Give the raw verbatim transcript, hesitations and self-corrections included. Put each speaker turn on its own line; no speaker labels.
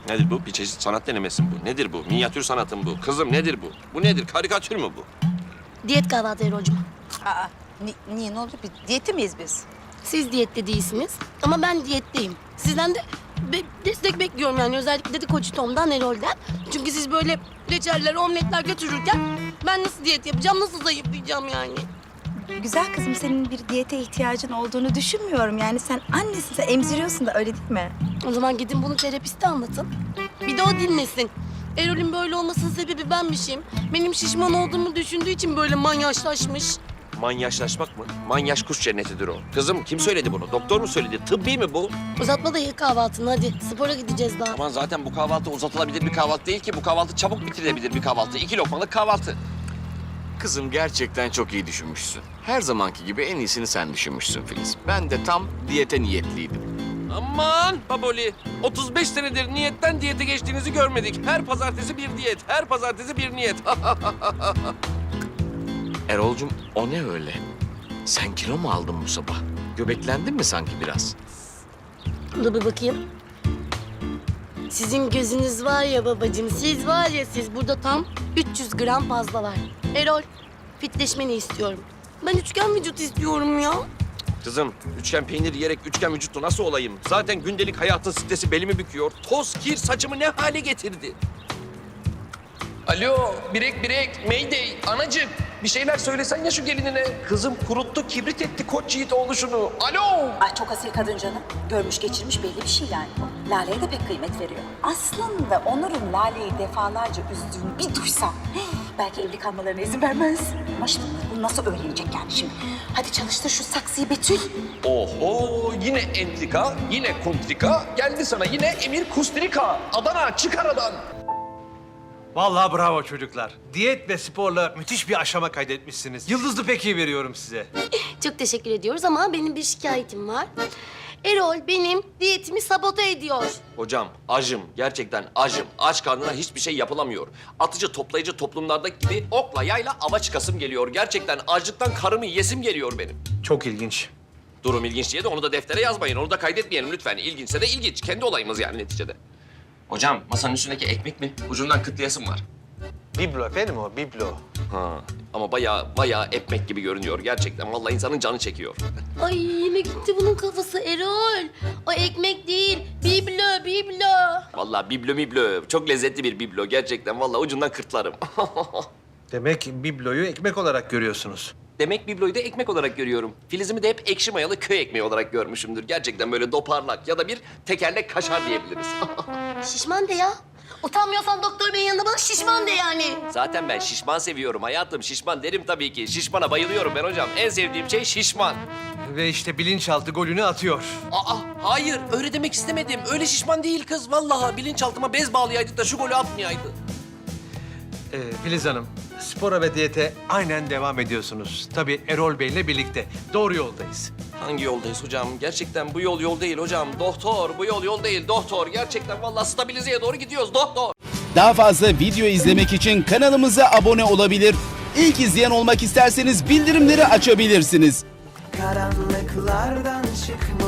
Nedir bu? Bir çeşit sanat denemesi mi bu? Nedir bu? Minyatür sanatı mı bu? Kızım nedir bu? Bu nedir? Karikatür mü bu?
Diyet kahvaltı Erol'cum.
Aa, ni- niye ne oldu? Bir diyette miyiz biz?
Siz diyette değilsiniz ama ben diyetteyim. Sizden de be- destek bekliyorum yani özellikle de Koç Tom'dan, Erol'den. Çünkü siz böyle reçeller, omletler götürürken ben nasıl diyet yapacağım, nasıl zayıflayacağım yani?
Güzel kızım, senin bir diyete ihtiyacın olduğunu düşünmüyorum. Yani sen annesin, sen emziriyorsun da öyle değil mi?
O zaman gidin bunu terapiste anlatın. Bir de o dinlesin. Erol'ün böyle olmasının sebebi benmişim. Benim şişman olduğumu düşündüğü için böyle manyaşlaşmış.
Manyaşlaşmak mı? Manyaş kuş cennetidir o. Kızım kim söyledi bunu? Doktor mu söyledi? Tıbbi mi bu?
Uzatma da ye kahvaltını hadi. Spora gideceğiz daha.
Aman zaten bu kahvaltı uzatılabilir bir kahvaltı değil ki. Bu kahvaltı çabuk bitirilebilir bir kahvaltı. İki lokmalık kahvaltı.
Kızım gerçekten çok iyi düşünmüşsün. Her zamanki gibi en iyisini sen düşünmüşsün Filiz. Ben de tam diyete niyetliydim.
Aman baboli. otuz beş senedir niyetten diyete geçtiğinizi görmedik. Her pazartesi bir diyet. Her pazartesi bir niyet.
Erol'cum o ne öyle? Sen kilo mu aldın bu sabah? Göbeklendin mi sanki biraz?
Dur bir bakayım. Sizin gözünüz var ya babacığım, siz var ya siz burada tam üç yüz gram fazla var. Erol, fitleşmeni istiyorum. Ben üçgen vücut istiyorum ya.
Kızım üçgen peynir yiyerek üçgen vücutlu nasıl olayım? Zaten gündelik hayatın stresi belimi büküyor. Toz, kir saçımı ne hale getirdi? Alo, birek birek, mayday, anacık. Bir şeyler söylesen ya şu gelinine. Kızım kuruttu, kibrit etti koç yiğit oluşunu. Alo!
Ay çok asil kadın canım. Görmüş geçirmiş belli bir şey yani bu. Lale'ye de pek kıymet veriyor. Aslında Onur'un Lale'yi defalarca üzdüğünü bir duysam... hey, belki evli kalmalarına izin vermez. Ama şimdi bunu nasıl öğrenecek yani şimdi? Hadi çalıştır şu saksıyı Betül.
Oho, yine entrika, yine kontrika. Geldi sana yine emir kustrika. Adana, çık aradan.
Vallahi bravo çocuklar. Diyet ve sporla müthiş bir aşama kaydetmişsiniz. Yıldızlı peki veriyorum size.
Çok teşekkür ediyoruz ama benim bir şikayetim var. Erol benim diyetimi sabote ediyor.
Hocam, acım. Gerçekten acım. Aç karnına hiçbir şey yapılamıyor. Atıcı toplayıcı toplumlardaki gibi okla yayla ava çıkasım geliyor. Gerçekten açlıktan karımı yesim geliyor benim.
Çok ilginç.
Durum ilginç diye de onu da deftere yazmayın. Onu da kaydetmeyelim lütfen. İlginçse de ilginç. Kendi olayımız yani neticede. Hocam, masanın üstündeki ekmek mi? Ucundan kıtlayasım var.
Biblo efendim o, biblo.
Ha, ama bayağı bayağı ekmek gibi görünüyor gerçekten. Vallahi insanın canı çekiyor.
Ay yine gitti bunun kafası Erol. O ekmek değil, biblo, biblo.
Vallahi biblo miblo. Çok lezzetli bir biblo gerçekten. Vallahi ucundan kırtlarım.
Demek bibloyu ekmek olarak görüyorsunuz.
Demek bibloyu da ekmek olarak görüyorum. Filizimi de hep ekşi mayalı köy ekmeği olarak görmüşümdür. Gerçekten böyle doparlak ya da bir tekerlek kaşar diyebiliriz.
Şişman de ya. Utanmıyorsan doktor beyin yanında bana şişman de yani.
Zaten ben şişman seviyorum hayatım. Şişman derim tabii ki. Şişmana bayılıyorum ben hocam. En sevdiğim şey şişman.
Ve işte bilinçaltı golünü atıyor.
Aa, hayır öyle demek istemedim. Öyle şişman değil kız. Vallahi bilinçaltıma bez bağlayaydık da şu golü atmayaydı.
Ee, Filiz Hanım, spora ve diyete aynen devam ediyorsunuz. Tabii Erol Bey'le birlikte. Doğru yoldayız.
Hangi yoldayız hocam? Gerçekten bu yol yol değil hocam. Doktor, bu yol yol değil doktor. Gerçekten vallahi stabilizeye doğru gidiyoruz doktor.
Daha fazla video izlemek için kanalımıza abone olabilir. İlk izleyen olmak isterseniz bildirimleri açabilirsiniz.
Karanlıklardan çıkma